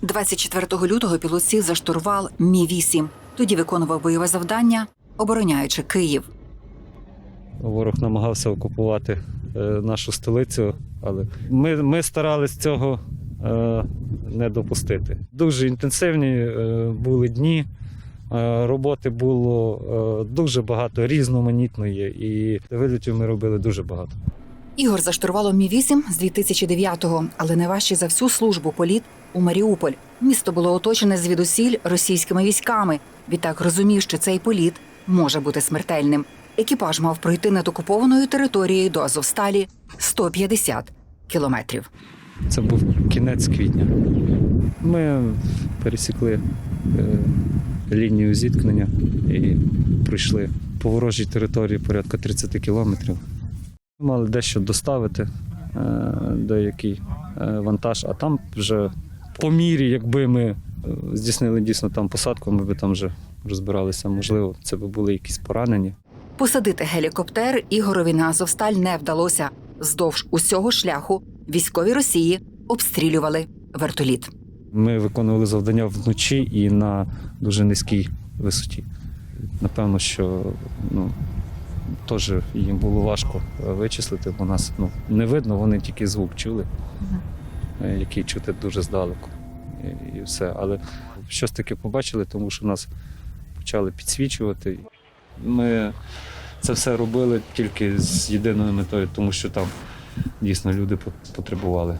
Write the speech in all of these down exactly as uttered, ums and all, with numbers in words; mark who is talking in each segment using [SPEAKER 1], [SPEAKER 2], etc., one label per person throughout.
[SPEAKER 1] двадцять четвертого лютого пілот сів за штурвал Мі вісім. Тоді виконував бойове завдання, обороняючи Київ.
[SPEAKER 2] Ворог намагався окупувати е, нашу столицю, але ми, ми старались цього е, не допустити. Дуже інтенсивні е, були дні, е, роботи було е, дуже багато, різноманітної, і вильотів ми робили дуже багато.
[SPEAKER 1] Ігор за штурвалом Мі вісім з дві тисячі дев'ятого, але найважчий за всю службу політ у Маріуполь. Місто було оточене звідусіль російськими військами. Відтак розумів, що цей політ може бути смертельним. Екіпаж мав пройти над окупованою територією до Азовсталі сто п'ятдесят кілометрів.
[SPEAKER 2] Це був кінець квітня. Ми пересікли е, лінію зіткнення і пройшли по ворожій території порядка тридцять кілометрів. Мали дещо доставити, е, деякий е, вантаж, а там вже по мірі, якби ми е, здійснили дійсно там посадку, ми б там вже розбиралися, можливо, це б були якісь поранені.
[SPEAKER 1] Посадити гелікоптер Ігорові на Азовсталь не вдалося. Вздовж усього шляху військові Росії обстрілювали вертоліт.
[SPEAKER 2] Ми виконували завдання вночі і на дуже низькій висоті. Напевно, що ну, теж їм було важко вичислити, бо нас ну, не видно, вони тільки звук чули, uh-huh. який чути дуже здалеку. І, і все. Але щось таке побачили, тому що нас почали підсвічувати. Ми це все робили тільки з єдиною метою, тому що там дійсно люди потребували.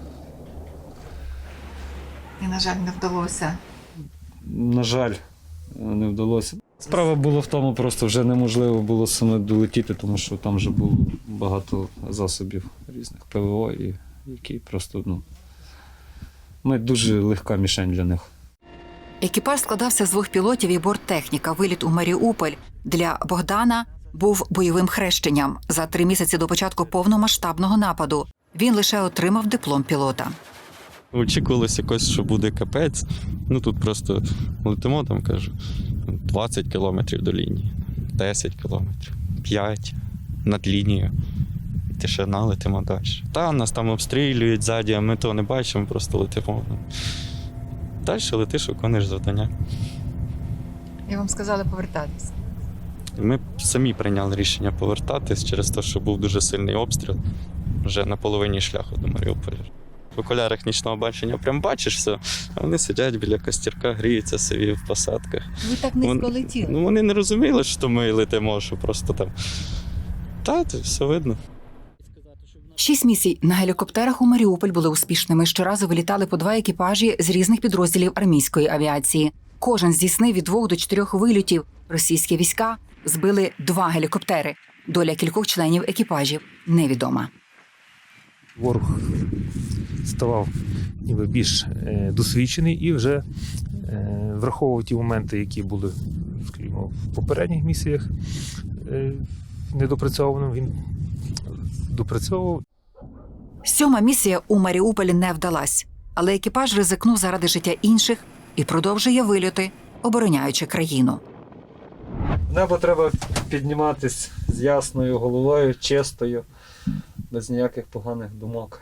[SPEAKER 1] І, на жаль, не вдалося.
[SPEAKER 2] На жаль, не вдалося. Справа була в тому, просто вже неможливо було саме долетіти, тому що там вже було багато засобів різних ПВО, і які просто, ну, ми дуже легка мішень для них.
[SPEAKER 1] Екіпаж складався з двох пілотів і борттехніка. Виліт у Маріуполь для Богдана був бойовим хрещенням. За три місяці до початку повномасштабного нападу він лише отримав диплом пілота.
[SPEAKER 3] Очікувалося якось, що буде капець. Ну тут просто летимо, там, кажу, двадцять кілометрів до лінії, десять кілометрів, п'ять над лінією. Тишина, летимо далі. Та, нас там обстрілюють ззаді, а ми того не бачимо, просто летимо. Далі летиш, виконуєш завдання.
[SPEAKER 1] І вам сказали повертатися?
[SPEAKER 3] Ми самі прийняли рішення повертатись через те, що був дуже сильний обстріл вже на половині шляху до Маріуполя. В окулярах нічного бачення прям бачиш все, а вони сидять біля костерка, гріються собі в посадках.
[SPEAKER 1] Ви так низько летіли?
[SPEAKER 3] Ну, вони не розуміли, що ми летимо, що просто там. Та, це все видно.
[SPEAKER 1] Шість місій на гелікоптерах у Маріуполь були успішними. Щоразу вилітали по два екіпажі з різних підрозділів армійської авіації. Кожен здійснив від двох до чотирьох вильотів. Російські війська збили два гелікоптери. Доля кількох членів екіпажів невідома.
[SPEAKER 4] Ворог ставав ніби більш е, досвідчений і вже е, враховував ті моменти, які були, скажімо, в попередніх місіях е, недопрацьованим, він допрацьовував.
[SPEAKER 1] Сьома місія у Маріуполі не вдалась, але екіпаж ризикнув заради життя інших і продовжує вильоти, обороняючи країну.
[SPEAKER 2] В небо треба підніматись з ясною головою, чистою, без ніяких поганих думок.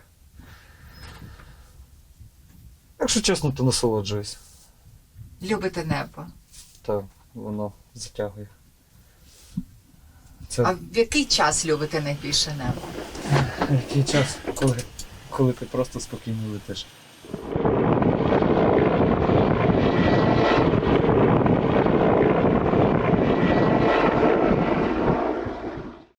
[SPEAKER 2] Якщо чесно, то насолоджуюсь.
[SPEAKER 1] Любите небо.
[SPEAKER 2] Так, воно затягує. Це...
[SPEAKER 1] А в який час любите найбільше небо?
[SPEAKER 2] Який час, коли, коли ти просто спокійно летиш.